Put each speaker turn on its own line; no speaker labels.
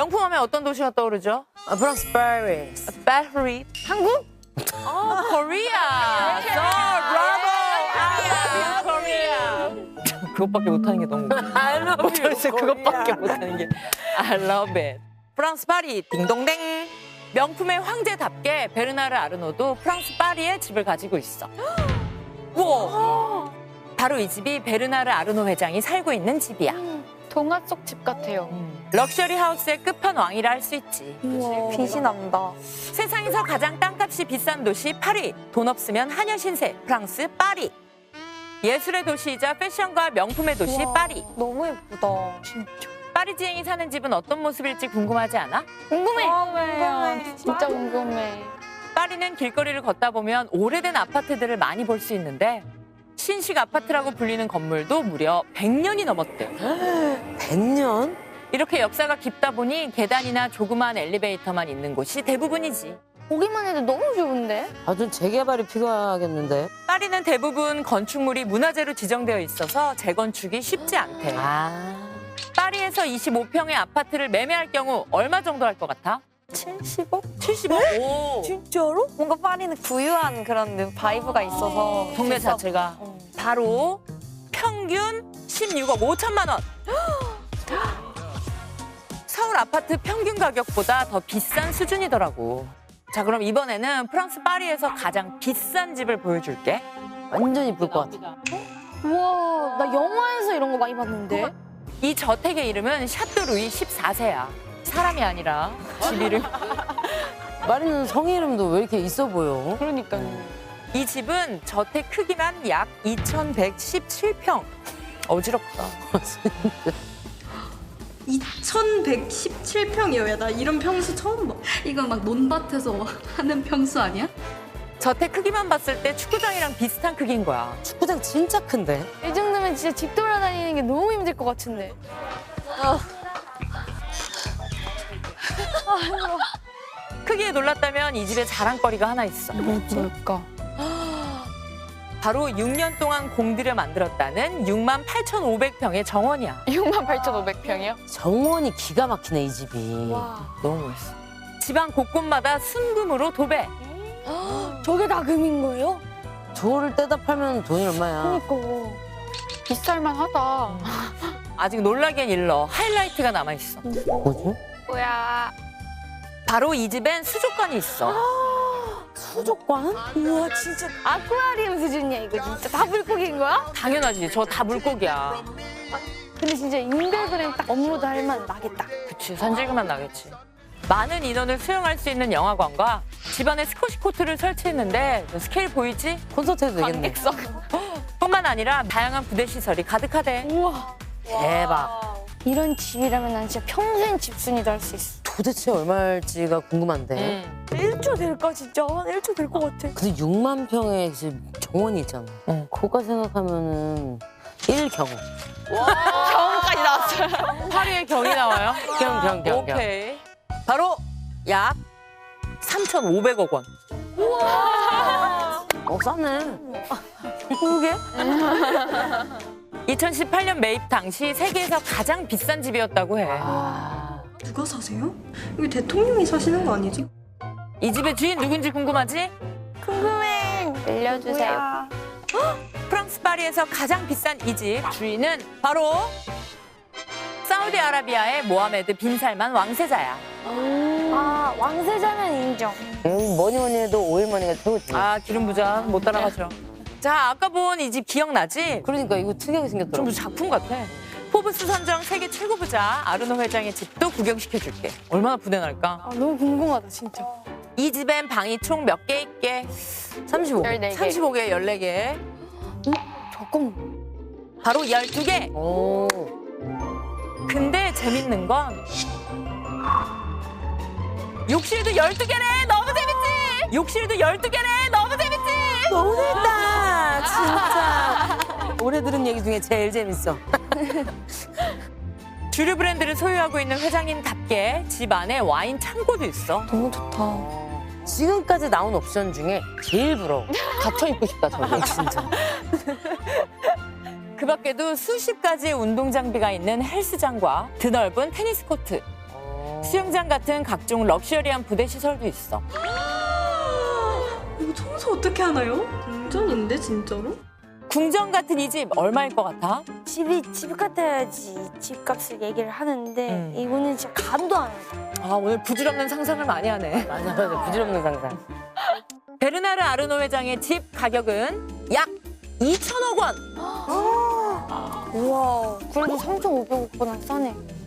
명품 하면 어떤 도시가 떠오르죠?
프랑스 파리스.
파리. 한국? 코리아. So bravo. I love you, Korea. 그것밖에 못하는 게 너무.
I love you,
도대체 그것밖에 못하는 게. I love it. 프랑스 파리 딩동댕. 명품의 황제답게 베르나르 아르노도 프랑스 파리에 집을 가지고 있어. 우와. 바로 이 집이 베르나르 아르노 회장이 살고 있는 집이야.
동화 속 집 같아요.
럭셔리 하우스의 끝판왕이라 할 수 있지.
빛이 난다.
세상에서 가장 땅값이 비싼 도시 파리. 돈 없으면 하녀 신세 프랑스 파리. 예술의 도시이자 패션과 명품의 도시 파리.
너무 예쁘다. 진짜.
파리지앵이 사는 집은 어떤 모습일지 궁금하지 않아?
궁금해. 궁금해. 진짜 궁금해.
파리는 길거리를 걷다 보면 오래된 아파트들을 많이 볼 수 있는데 신식 아파트라고 불리는 건물도 무려 100년이 넘었대.
100년?
이렇게 역사가 깊다 보니 계단이나 조그만 엘리베이터만 있는 곳이 대부분이지.
보기만 해도 너무 좋은데?
아주 재개발이 필요하겠는데.
파리는 대부분 건축물이 문화재로 지정되어 있어서 재건축이 쉽지 않대. 파리에서 25평의 아파트를 매매할 경우 얼마 정도 할 것 같아?
70억?
70억? 오.
진짜로? 뭔가 파리는 부유한 그런 바이브가 있어서
동네
비싸.
자체가 바로 평균 16억 5천만 원. 서울 아파트 평균 가격보다 더 비싼 수준이더라고. 자, 그럼 이번에는 프랑스 파리에서 가장 비싼 집을 보여줄게.
완전 이쁠 것 같아.
우와, 나 영화에서 이런 거 많이 봤는데?
이 저택의 이름은 샤또 루이 14세야. 사람이 아니라 집 이름.
마리는 성 이름도 왜 이렇게 있어 보여?
그러니까요.
이 집은 저택 크기만 약 2,117평. 어지럽다.
2117평이어야 나 이런 평수 처음 봐.
이건 막 논밭에서 하는 평수 아니야?
저택 크기만 봤을 때 축구장이랑 비슷한 크기인 거야.
축구장 진짜 큰데?
이 정도면 진짜 집 돌아다니는 게 너무 힘들 것 같은데.
크기에 놀랐다면 이 집에 자랑거리가 하나 있어.
뭘까?
바로 6년 동안 공들여 만들었다는 68,500평의 정원이야.
68,500평이요?
정원이 기가 막히네, 이 집이.
와.
너무 멋있어. 집안 곳곳마다 순금으로 도배.
저게 다 금인 거예요?
저거를 떼다 팔면 돈이 얼마야?
그러니까. 비쌀만 하다.
아직 놀라기엔 일러. 하이라이트가 남아있어.
뭐지?
뭐야.
바로 이 집엔 수족관이 있어.
수족관?
우와, 진짜 아쿠아리움 수준이야, 이거 진짜. 다 물고기인 거야?
당연하지. 저 다 물고기야.
근데 진짜 인별그램 딱 업로드 할 만 나겠다.
그치. 산질기만 나겠지. 많은 인원을 수용할 수 있는 영화관과 집안에 스쿼시 코트를 설치했는데 스케일 보이지?
콘서트 해도 되겠네.
관객석.
뿐만 아니라 다양한 부대 시설이 가득하대.
우와.
대박.
이런 집이라면 난 진짜 평생 집순이도 할 수 있어.
도대체 얼마일지가 궁금한데.
1조 될까, 진짜? 한 1조 될 것 같아.
근데 6만 평의 집 정원이 있잖아.
응.
그거 생각하면은 1경.
경까지 나왔어요.
파리의 경이 나와요?
경.
오케이. 바로 약 3,500억 원.
싸네.
그게?
2018년 매입 당시 세계에서 가장 비싼 집이었다고 해.
누가 사세요? 이거 대통령이 사시는 거 아니지?
이 집의 주인 누군지 궁금하지?
궁금해. 알려주세요.
프랑스 파리에서 가장 비싼 이 집 주인은 바로 사우디아라비아의 모하메드 빈 살만 왕세자야.
아, 왕세자는 인정.
뭐니 해도 오일머니가 최고지.
아, 기름 부자 못 따라가죠. 자, 아까 본 이 집 기억나지?
그러니까 이거 특이하게 생겼더라고.
좀 작품 같아. 포브스 선정 세계 최고 부자 아르노 회장의 집도 구경시켜줄게. 얼마나 부대날까?
아, 너무 궁금하다, 진짜.
이 집엔 방이 총 몇 개 있게?
35.
14개.
35개, 14개.
잠깐만.
바로 12개.
오.
근데 재밌는 건 욕실도 12개래. 너무 재밌지? 욕실도 12개래. 너무 재밌지?
너무 재밌다. 진짜. 올해 들은 얘기 중에 제일 재밌어.
주류 브랜드를 소유하고 있는 회장님답게 집 안에 와인 창고도 있어.
너무 좋다.
지금까지 나온 옵션 중에 제일 부러워. 갇혀 입고 싶다, 저거. 진짜.
그 밖에도 수십 가지의 운동 장비가 있는 헬스장과 드넓은 테니스 코트. 수영장 같은 각종 럭셔리한 부대 시설도 있어.
이거 청소 어떻게 하나요? 궁전인데 진짜로?
궁전 같은 이 집 얼마일 것 같아?
집이 집 같아야지 집값을 얘기를 하는데 이거는 진짜 감도 안 와요.
아, 오늘 부질없는 상상을 많이 하네.
맞아, 부질없는 상상.
베르나르 아르노 회장의 집 가격은 약 2천억 원.
우와, 그래도 3,500억보다 싸네.